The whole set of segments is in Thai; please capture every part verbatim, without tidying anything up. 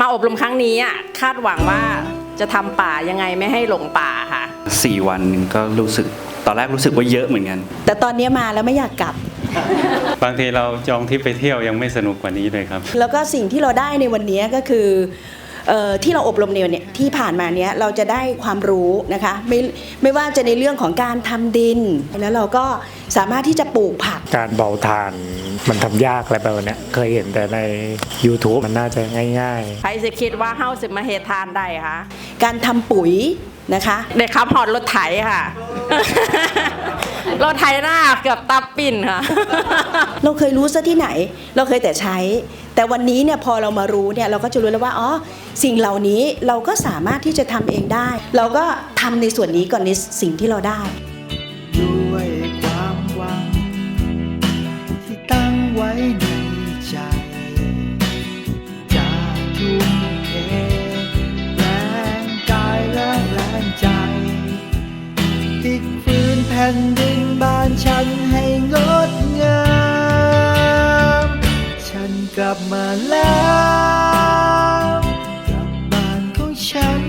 มาอบรมครั้งนี้อ่ะคาดหวังว่าจะทำป่ายังไงไม่ให้หลงป่าค่ะสี่วันก็รู้สึกตอนแรกรู้สึกว่าเยอะเหมือนกันแต่ตอนนี้มาแล้วไม่อยากกลับบางทีเราจองทริปไปเที่ยวยังไม่สนุกกว่านี้เลยครับแล้วก็สิ่งที่เราได้ในวันนี้ก็คือเอ่อที่เราอบรมเนี่ยที่ผ่านมาเนี้ยเราจะได้ความรู้นะคะไม่ไม่ว่าจะในเรื่องของการทำดินแล้วเราก็สามารถที่จะปลูกผักการเบาทานมันทำยากอะไรแบบนี้เคยเห็นแต่ใน ยูทูบ มันน่าจะง่ายๆใครจะคิดว่าเฮ้าสิมาเฮทานได้คะการทำปุ๋ยนะคะเด็กขับหอดรถไถค่ะรถไถหน้าเกือบตับปิ่นค่ะเราเคยรู้ซะที่ไหนเราเคยแต่ใช้แต่วันนี้เนี่ยพอเรามารู้เนี่ยเราก็จะรู้แล้วว่าอ๋อสิ่งเหล่านี้เราก็สามารถที่จะทำเองได้เราก็ทำในส่วนนี้ก่อนในสิ่งที่เราได้ด้วยความหวังที่ตั้งไว้ในใจจะทุ่มเทแรงกายและแรงใจพลิกฟื้นแผ่นดินบ้านฉันให้งดงามฉันกลับมาแล้วกลับบ้านของฉัน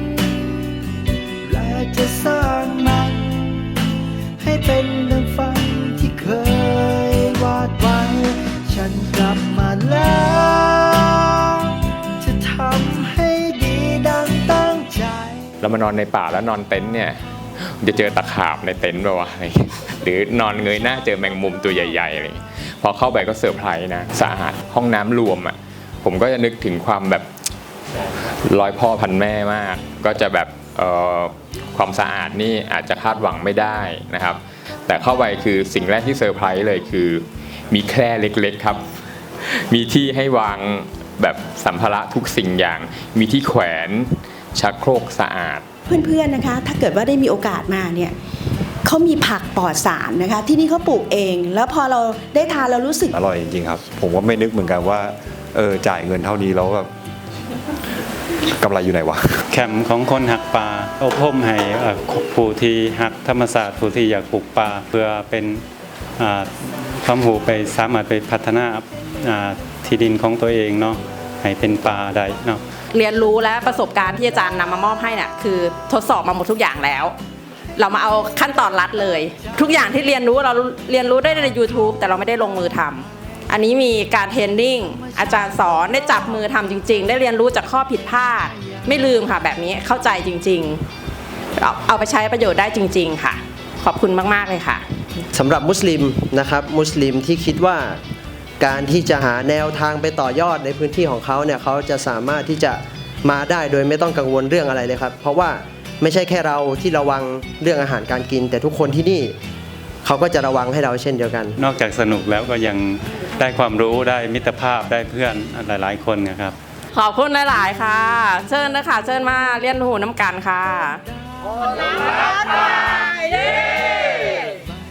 และจะสร้างมันให้เป็นดังฝันที่เคยวาดไว้ฉันกลับมาแล้วจะทำให้ดีดังตั้งใจเรามานอนในป่าแล้วนอนเต็นท์เนี่ยจะเจอตะขาบในเต็นท์ป่าวะหรือนอนเงยหน้าเจอแมงมุมตัวใหญ่ๆอะไรพอเข้าไปก็เซอร์ไพรส์นะสะอาดห้องน้ำรวมอ่ะผมก็จะนึกถึงความแบบร้อยพ่อพันแม่มากก็จะแบบความสะอาดนี่อาจจะคาดหวังไม่ได้นะครับแต่เข้าไปคือสิ่งแรกที่เซอร์ไพรส์เลยคือมีแคร่เล็กๆครับมีที่ให้วางแบบสัมภาระทุกสิ่งอย่างมีที่แขวนชักโครกสะอาดเพื่อนๆนะคะถ้าเกิดว่าได้มีโอกาสมาเนี่ยเขามีผักปลอดสารนะคะที่นี่เขาปลูกเองแล้วพอเราได้ทานเรารู้สึกอร่อยจริงๆครับผมก็ไม่นึกเหมือนกันว่าเออจ่ายเงินเท่านี้แล้วแบบกำไรอยู่ไหนวะแคมป์ของคนหักป่าอบรมให้ผู้ที่หักธรรมศาสตร์ผู้ที่อยากปลูกป่าเพื่อเป็นความรู้ไปสามารถไปพัฒนาที่ดินของตัวเองเนาะให้เป็นป่าได้เนาะเรียนรู้และประสบการณ์ที่อาจารย์นำมามอบให้เนี่ยคือทดสอบมาหมดทุกอย่างแล้วเรามาเอาขั้นตอนรัดเลยทุกอย่างที่เรียนรู้เราเรียนรู้ได้ใน ยูทูบ แต่เราไม่ได้ลงมือทำอันนี้มีการเทรนนิ่งอาจารย์สอนได้จับมือทำจริงๆได้เรียนรู้จากข้อผิดพลาดไม่ลืมค่ะแบบนี้เข้าใจจริงๆเอาเอาไปใช้ประโยชน์ได้จริงๆค่ะขอบคุณมากๆเลยค่ะสำหรับมุสลิมนะครับมุสลิมที่คิดว่าการที่จะหาแนวทางไปต่อยอดในพื้นที่ของเขาเนี่ยเขาจะสามารถที่จะมาได้โดยไม่ต้องกังวลเรื่องอะไรเลยครับเพราะว่าไม่ใช่แค่เราที่ระวังเรื่องอาหารการกินแต่ทุกคนที่นี่เขาก็จะระวังให้เราเช่นเดียวกันนอกจากสนุกแล้วก็ยังได้ความรู้ได้มิตรภาพได้เพื่อนหลายๆคนนะครับขอบคุณหลายๆค่ะเชิญนะคะเชิญมาเรียนรู้น้ำกันค่ะ